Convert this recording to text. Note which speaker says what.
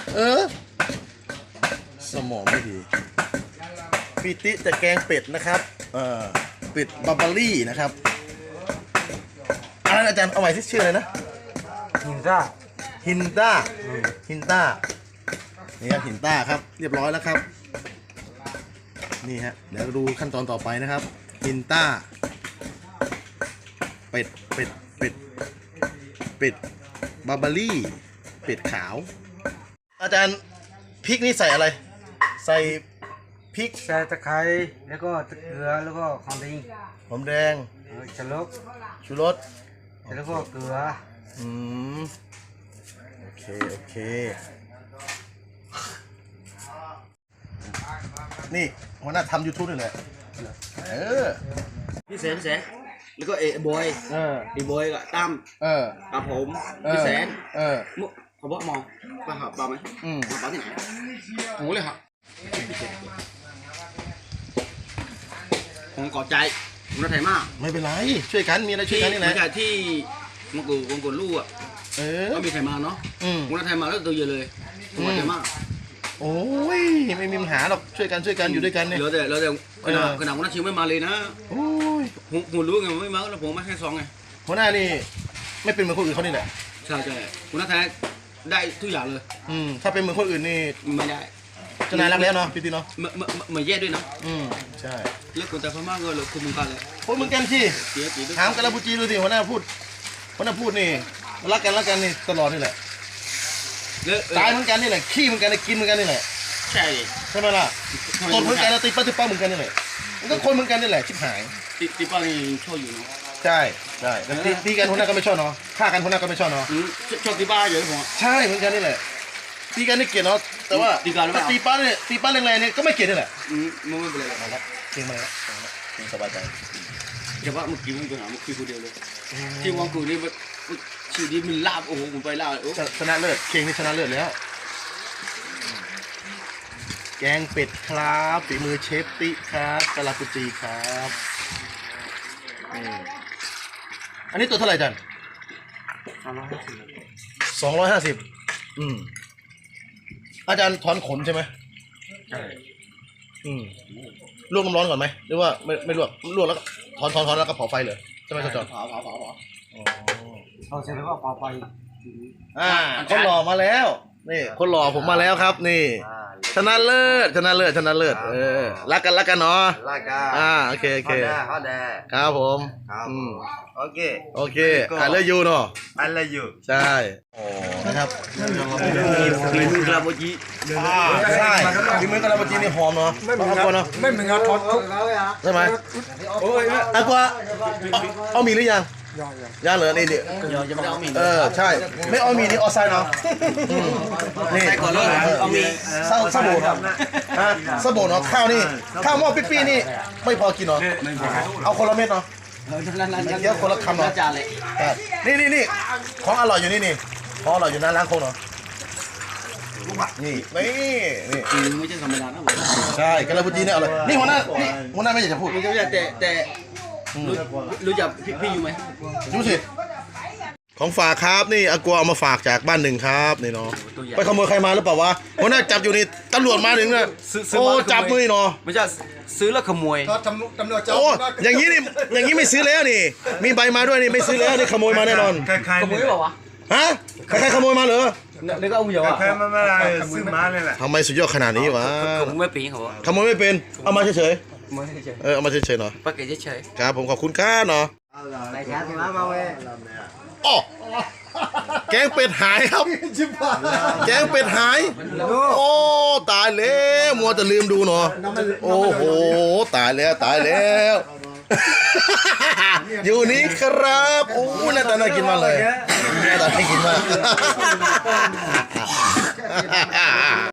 Speaker 1: เออสมองไม่ดีพี่ติจะแกงเป็ดนะครับเป็ดบาร์บารี่นะครับอะไรอาจารย์เอาใหม่ที่ชื่ออะไรนะ
Speaker 2: หินซ่า
Speaker 1: ฮินต้าฮินต้านี่ครับฮินต้าครับเรียบร้อยแล้วครับนี่ฮะเดี๋ยวดูขั้นตอนต่อไปนะครับฮินต้าเป็ดบาร์บารี่เป็ดขาวอาจารย์พริกนี่ใส่อะไรใส่พริก
Speaker 2: ใส่ตะไคร้แล้วก็เกลือแล้วก็หอมแดงชูรสแล้วก็เกลือ
Speaker 1: โอเคนี่หัวหน้าทำ YouTube นี่แหละ
Speaker 3: พี่แสนแล้วก็บอยบอยกับตั้มกับผมพี่แสนมุกเขาบอกมองปลาหอบปลาไหมปลาที่ไหนผมเลยครับผมกอดใจผมรักไทยมาก
Speaker 1: ไม่เป็นไรช่วยกันมีอะไรช่วยกันนี่แหละ
Speaker 3: จากที่มังกรลูกก็มีไทยมาเนาะผมรักไทยมาแล้วตัวเยอะเลยผมรักไทยมาก
Speaker 1: โอ้ยไม่มีปัญหาหรอกช่วยกันอยู่ด้วยกันเนี่ย
Speaker 3: เราแต่ขนาดหัวหน้าชิวไม่มาเลยนะ
Speaker 1: โอ้ย
Speaker 3: ผมรู้ไงไม่มาแล้วผมมาแค่2ไง
Speaker 1: หัวหน้านี่ไม่เป็นเหมือนคนอื่นเขานี่แหละ
Speaker 3: ใช่หัวหน้าแท้ได้ทุกอย่างเลย
Speaker 1: ถ้าเป็นเหมือนคนอื่นนี่
Speaker 3: ไม่ได้
Speaker 1: จะนายรักแล้วเนาะพี่ตีเนาะ
Speaker 3: ไม่แย่ด้วยนะ
Speaker 1: ใช่
Speaker 3: แล้วคนแต่พม่าก็เลยคุมมึงกันเลย
Speaker 1: คนมึงกันที่ถามกันแล้วพูจีดูสิหัวหน้าพูดนี่รักกันนี่ตลอดนี่แหละตายเหมือนกันนี่แหละขี้เหมือนกันกินเหมือนกันนี่แหละ
Speaker 3: ใช่
Speaker 1: ไหมล่ะตดเหมือนกันตีป้าเหมือนกันนี่แหละมันก็คนเหมือนกันนี่แหละชิบหาย
Speaker 3: ตีป้านี่ชอบอยู่เนาะ
Speaker 1: ใช่ตีกันหัวหน้าก็ไม่ชอบเนาะฆ่ากันหัวหน้าก็ไม่ชอบเนาะ
Speaker 3: ชอบตีป้าเยอะผม
Speaker 1: ใช่เหมือนกันนี่แหละตีกันนี่เกลียดเนาะแต่ว่าตีป้าแรงๆเนี่ยก็ไม่เกลียดนี่แหละ
Speaker 3: ไม่เป็นไร
Speaker 1: แล้วเก่งมาแล้วเก่งสบายใจ
Speaker 3: แต่ว่าเมื่อกี้มันเป็นหาเมื่อกี้คนเดียวเลยที่วังกูนี่ชื่อนี้มันลาบโอ้โหผมไปลาบ
Speaker 1: ชนะเลิศเก่งนี่ชนะเลิศแล้วแกงเป็ดครับฝีมือเชฟติครับกะลาปุจีครับอันนี้ตัวเท่าไหร่จัน250อาจารย์ถอนขนใช่ไหม
Speaker 3: ใช่
Speaker 1: ลวกน้ำร้อนก่อนไหมหรือว่าไม่ลวกแล้วก็ถอนแล้วก็เผาไฟเลยใช่ไหมจอน
Speaker 3: เผา
Speaker 2: เอาเสร็จแล้วก็เผาไฟ
Speaker 1: คนหล่อมาแล้วนี่คนหล่อผมมาแล้วครับนี่ชนะเลิศรักกันเนาะ
Speaker 2: รักกัน
Speaker 1: โอเค
Speaker 2: เขาแด
Speaker 1: ครับผม
Speaker 2: โอเค
Speaker 1: I love you เนาะ
Speaker 2: I love you
Speaker 1: ใช่นะครับ
Speaker 3: ฝีมือกะลาโบจี
Speaker 1: ใช่ฝีมือกะลาโบจีนี่หอมเนาะ
Speaker 2: ไม่เหมือนงาทอด
Speaker 1: ใช่ไหมอะกว่าเอามีหรือยังย่างเหลือนี่
Speaker 3: ยังไม่ได้เอามี
Speaker 1: ใช่ไม่เอามีนี่ออไซน์เนาะนี่
Speaker 3: ก่อนเลยเอามี
Speaker 1: สบู่เนาะสบู่เนาะข้าวนี่ข้าวหม้อปี้นี่ไม่พอกินเนาะเอาคนละเม็ดเนาะเดี๋ยวคนละคำเนาะนี่ของอร่อยอยู่นี่ของอร่อยอยู่หน้าร้านโคงเนาะนี่
Speaker 3: ไม่ใช่ธรรมดานะ
Speaker 1: ใช่กะลาบุจีเนี่ยอร่อยนี่หัวหน้าไม่อยากจะพูด
Speaker 3: แต่รู้จักพี่อยู่ไหม
Speaker 1: รู้สิของฝากครับนี่อากัวเอามาฝากจากบ้านหนึ่งครับนี่เนาะไปขโมยใครมาหรือเปล่าวะหัวหน้าจับอยู่นี่ตำรวจมาถึงนะโอ้จับมือเนาะ
Speaker 3: ไม่ใช่ซื้อแล้วขโมย
Speaker 2: ตำรวจจับ
Speaker 1: โอ้อย่างนี้ไม่ซื้อแล้วนี่มีใบมาด้วยนี่ไม่ซื้อแล้วนี่ขโมยมาแน่นอน
Speaker 3: ขโมยเปล่าวะ
Speaker 1: ฮะใครขโมยมาเหรอ
Speaker 3: นี่ก็เอาอยู่อ่ะ
Speaker 2: ใครมาอะไรซื้อมาเลยแหละ
Speaker 1: ทำไมสุดยอดขนาดนี้วะ
Speaker 3: ขโมยไม่เป็นเขา
Speaker 1: ขโมยไม่เป็นเอามาเฉยเอามาเฉยๆเนาะ
Speaker 3: ปากเกจเฉย
Speaker 1: ครับผมขอบคุณครับเนาะ
Speaker 2: ไปช้าสิมาเว้ย
Speaker 1: อ๋อแกงเป็ดหายครับแกงเป็ดหายโอ้ตายแล้วมัวจะลืมดูเนาะโอ้โหตายแล้วอยู่นี่ครับโอ้น่าจะน่ากินมากเลยน่ากินมาก